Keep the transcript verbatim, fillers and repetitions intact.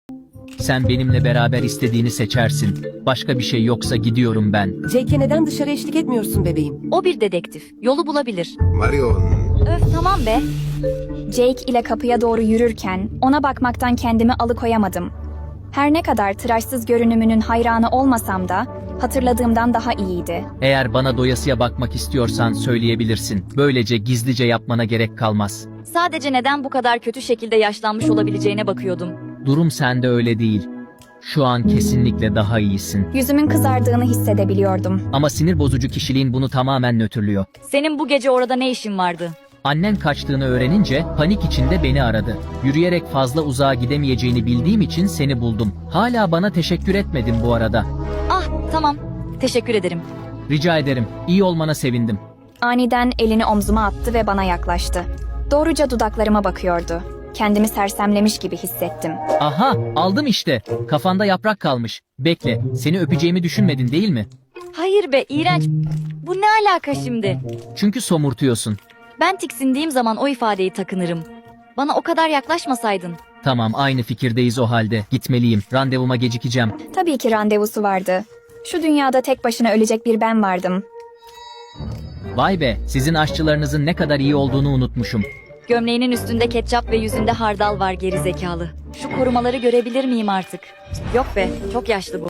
Sen benimle beraber istediğini seçersin. Başka bir şey yoksa gidiyorum ben. Jake'e neden dışarı eşlik etmiyorsun bebeğim? O bir dedektif. Yolu bulabilir. Marion. Öf tamam be. Jake ile kapıya doğru yürürken ona bakmaktan kendimi alıkoyamadım. Her ne kadar tıraşsız görünümünün hayranı olmasam da hatırladığımdan daha iyiydi. Eğer bana doyasıya bakmak istiyorsan söyleyebilirsin. Böylece gizlice yapmana gerek kalmaz. Sadece neden bu kadar kötü şekilde yaşlanmış olabileceğine bakıyordum. Durum sende öyle değil. Şu an kesinlikle daha iyisin. Yüzümün kızardığını hissedebiliyordum. Ama sinir bozucu kişiliğin bunu tamamen nötrlüyor. Senin bu gece orada ne işin vardı? Annen kaçtığını öğrenince panik içinde beni aradı. Yürüyerek fazla uzağa gidemeyeceğini bildiğim için seni buldum. Hala bana teşekkür etmedin bu arada. Ah tamam. Teşekkür ederim. Rica ederim. İyi olmana sevindim. Aniden elini omzuma attı ve bana yaklaştı. Doğruca dudaklarıma bakıyordu. Kendimi sersemlemiş gibi hissettim. Aha, aldım işte. Kafanda yaprak kalmış. Bekle, seni öpeceğimi düşünmedin değil mi? Hayır be iğrenç. Bu ne alaka şimdi? Çünkü somurtuyorsun. Ben tiksindiğim zaman o ifadeyi takınırım. Bana o kadar yaklaşmasaydın. Tamam, aynı fikirdeyiz o halde. Gitmeliyim. Randevuma gecikeceğim. Tabii ki randevusu vardı. Şu dünyada tek başına ölecek bir ben vardım. Vay be, sizin aşçılarınızın ne kadar iyi olduğunu unutmuşum. Gömleğinin üstünde ketçap ve yüzünde hardal var geri zekalı. Şu korumaları görebilir miyim artık? Yok be, çok yaşlı bu.